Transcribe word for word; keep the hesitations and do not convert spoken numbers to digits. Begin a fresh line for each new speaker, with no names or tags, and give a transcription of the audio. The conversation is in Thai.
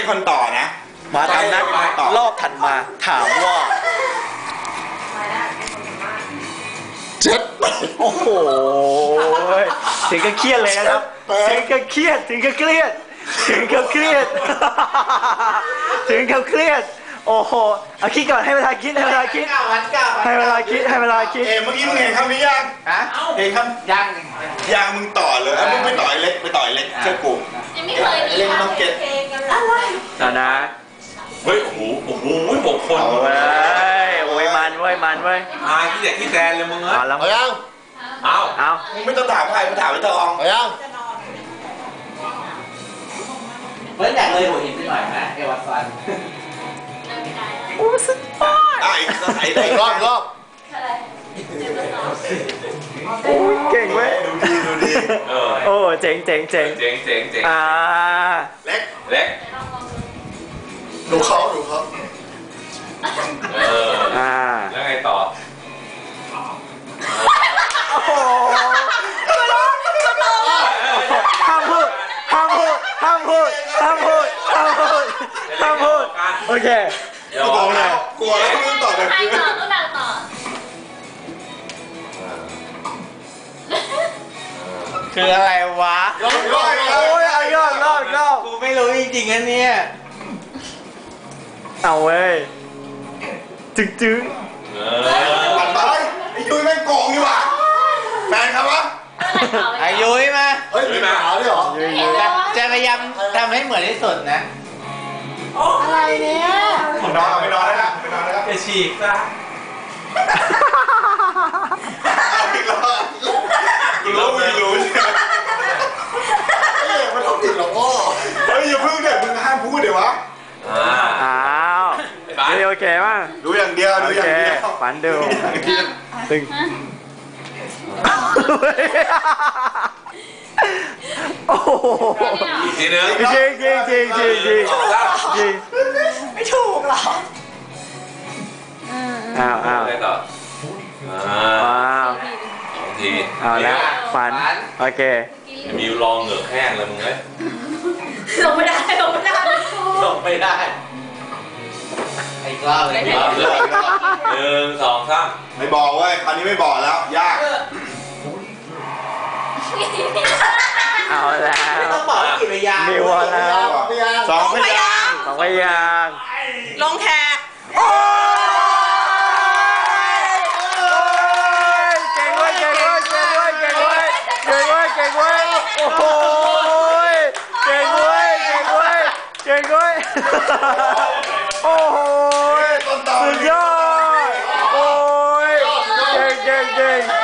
คนต่อนะ
มาตามนัดรอบถัดมาถามว่าเจ็ดโอ้โหถึงก็เครียดเลยนะครับถึงก็เครียดถึงก็เครียดถึงก็เครียดถึงก็เครียดโอ้โหเอาคิดก่อนให้เวลาคิดให้เวลาคิดให้เวลาคิดให้เวลาคิด
เอเมื่อกี้มึงเห็นคำนี้ยัง
ฮะ
เห็นคำ
ยัง
ยังมึงต่อเลยมึงไปต่อยเล็กไปต่อยเล็กเชื่อกู
ยังไม่เคยมีทำเพลงกันเลย
นะนะ
เฮ้ยโอ้โหโอ้โหหกคน
เว้ยโอ้ยมันเว้ยมันเว้ย
อ่าขี้เด็กขี้แซนเลยมึงเอ้ย
เอา
เอายัง
เอา
เอา
มึงไม่ต้องถามใครมึงถามไอ้ตอง
เอายังเฮ้ยอยากเลยหัวหินไปหน่อยนะเอวัตซัน
โอ้สุดยอด
ไอ้ไอ้ได้รอบรอบ
โอ้ยเก่งเว้ย
ดูดีดูดี
โอ้เจ๋งเจ๋งเจ๋ง
เจ๋งเจ๋งเจ๋ง
อ่า
เล็ก
เล็ก
ดูเขาดูเขา
เออ
อ่า
แล้วไงต่อ
โอ้โหห้ามพูดห้ามพูดห้ามพูดห้ามพูดห้ามพูดห้ามพูดโอเค
กลัวแล้วกลัวแล้วมึงต่อแบบ
ใครต่อก็ดังต่อ
คืออะไรวะ
รอบรอบ
โอ้ยเอายอดรอบรอบ
กูไม่รู้จริงๆนะเนี่ย
เอาเว้ยจึ๊งจึ๊ง
ปัดไปไอ้ยุ้ยแม่งโกงนี่หว่าแฟนครับวะ
อายุยมา
เฮ้ยมีปัญหาด้วยเหรอ
จะพยายามทำให้เหมือนที่สุดนะ
อะไรเนี่ย
ผมนอนไม่นอนแล้วนะไม่นอนแล้ว
จะฉีกซะ
เอาอีกแล้วกูรู้มึงรู้ใช่ไหมเฮ้ยมันต้องติดหรอพ่อเฮ้ยอย่าพึ่งเดี๋ยวมึงห้ามพูดเดี๋ยววะ
อ้าวโอเคป่ะ
ดูอย่างเดียวดูอย่างเดียว
ฝันดูตึงโอ้โห
ทีนึง
จริงจริงจริงจริงจริงจริง
ไม่ถูกหรอ
อ้าวอ้าว
ได้ต่อ
อ้าว
สองที
เอาแล้วฝันโอเค
มีลองเหงือกแห้งเลยมึงเอ้ย
ลงไม่ได้ลงไม่ได้
ลงไม่ได้ไอ้กล้าเลย
หนึ่งสองสาม
ไม่บอกเว้ยคราวนี้ไม่บอกแล้วยาก
เอาแล้ว
ต้องบอกกี่พยาง
มีวอลแล้ว
สองพยาง
สองพยาง
ลงแขก
โอ้ยเก่งเว้ยเก่งเว้ยเก่งเว้ยเก่งเว้ยเก่งเว้ยเก่งเว้ยโอ้โหเก่งเว้ยเก่งเว้ยเก่งเว้ยโอ้โหสุดยอดโอ้ยเก่งเก่งเก่ง